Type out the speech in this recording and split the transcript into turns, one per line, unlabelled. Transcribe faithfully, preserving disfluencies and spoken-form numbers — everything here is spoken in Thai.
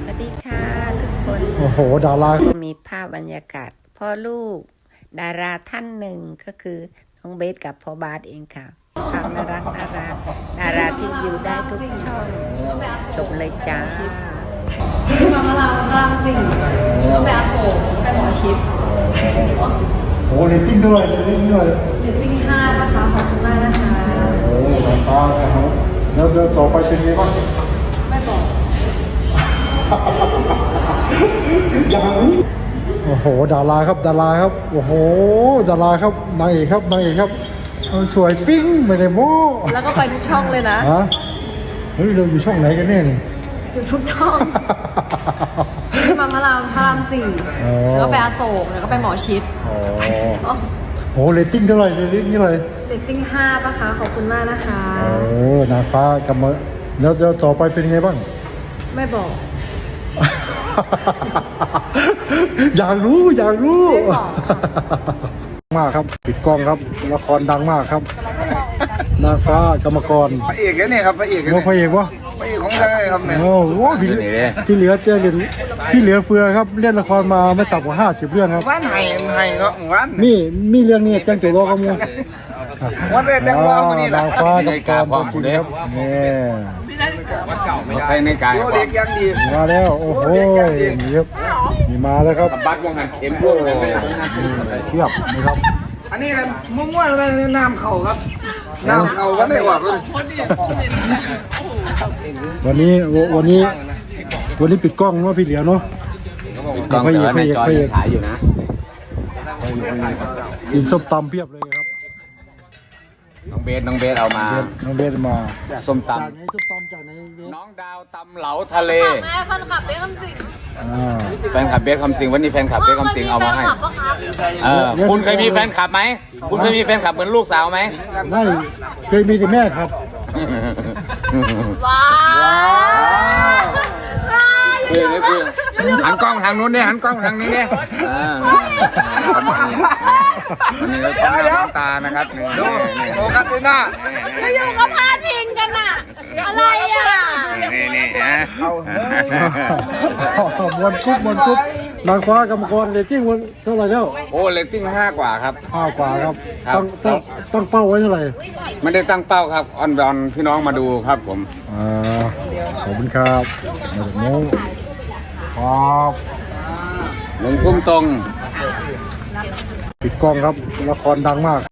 วัสดีค่ะทุกคน
โอ้โหดารา
ก็มีภาพบรรยากาศพ่อลูกดาราท่านหนึ่งก็คือน้องเบสกับพ่อบาสเองค่ะภาพน่ารักน่ารักดาราที่อยู่ได้ทุกช่องชมเลยจ้า
มาพลังพลังสี่ก็ไปอาโศกไปหมอชิด
โอ้โหเรตติ้งเท่าไหร่เรตติ้งเท่าไหร่
เรตติ้งห้านะคะขอบคุณมากนะคะ
โอ้โหดาราครับแล้วเดี๋ยวต่อไปเป็นไงบ้าง
ไม่บอก
ยังโอ้โหดาราครับดาราครับโอ้โหดาราครับนางเอกครับนางเอกครับเออสวยปิ้งไม่ได้โม้
แล้วก็ไปทุกช่องเลยนะ
ฮะเฮ้ยเราอยู่ช่องไหนกันแน่นี่
อยู่ทุกช่องมาพลังพลังสี่
อ๋อ
แล้วก็ไปอาโศกแล้วก็ไปหมอชิด
อ๋อ
ช่อง
โอ้โหเรตติ้งเท่าไหร่เรตติ้งเท่าไหร่
เรตติ้งห้าปะคะขอบคุณมากนะคะ
โอ้นางฟ้ากำมาแล้วเดี๋ยวต่อไปเป็นไงบ้าง
ไม่บอก
อยากรู้อยากรู้
ไม่บอกค่ะ
มากครับปิดกล้องครับละครดังมากครับนางฟ้ากรรมกร
พระเอกเนี่ยครับพระเอก
ว่าพระเอกวะ
พระเอกของเรื่องอะไรครับเนี่ย
โอ้โหพี่พี่เหลือเจ้าเล่นพี่เหลือเฟือครับเล่นละครมาไม่ต่ำกว่าห้าสิบเรื่องครับ
บ้านไห้ไห้เนาะหมู่บ้าน
มีมีเรื่องนี้แจ้งตัวรอกับมู
วันเด็กแต่งรองมานี่แหละ
นางฟ้ากรรมกรตัวจริงครับนี่
มาใส่ในกาย
โยเล็กยังดี
มาแล้วโอ้โหนี่ครับนี่มาแล้วครับ
บัดวงหันเข็มพวกเลย
เทียบนะครับ
อันนี้นะมั่วๆเลยน้ำเข่าครับน้ำเข่าวันได้ออกเลย
วันนี้วันนี้วันนี้ปิดกล้องเนาะพี่เหลียวเนาะ
กองเต๋อในจอยังฉายอยู่นะ
กินส้มตำเพียบเลยครับ
น้องเบสน้องเบสเอามา
เบสน้องเบสมา
ส้มต
จากไหนส้มตำจากไหนเบส
ำน้องดาวตำเหลาทะเล
แม่แฟนคลับเบ้คำสิง
อ่า
แฟนคลับเบสคำสิงวันนี้แฟนคลับเบสคำสิงเอามาให้
แฟนคลับปะครับ
เออคุณเคยมีแฟนคลับไหมคุณเคยมีแฟนคลับเหมือนลูกสาวไหม
ไม่เคยมีแต่แม่ครับ
ว้าว
คือนี่คือหันกล้องทางนู้นเนี่ยหันกล้องทางนี้เนี่ยวันนี้เราต้องน้ำตานะครับนี่
ดูโอคาติน่า
อยู่ๆก็พาดพิงกันอะอะไรอะ
นี่นี่นะ
มวนคุบมวนคุบนางฟ้ากรรมกรเรตติ้งวันเท่าไหร่แล้ว
โอ้เลตติ้งห้ากว่าครับ
ห้ากว่าครับ
ครับ
ตั้งตั้งตั้งเป้าไว้เท่าไหร่
ไม่ได้ตั้งเป้าครับออนบอลพี่น้องมาดูครับผม
อ่าขอบคุณครับมาจากโน้ครับ
หนึ่งทุ่มตรง
ปิดกล้องครับละครดังมาก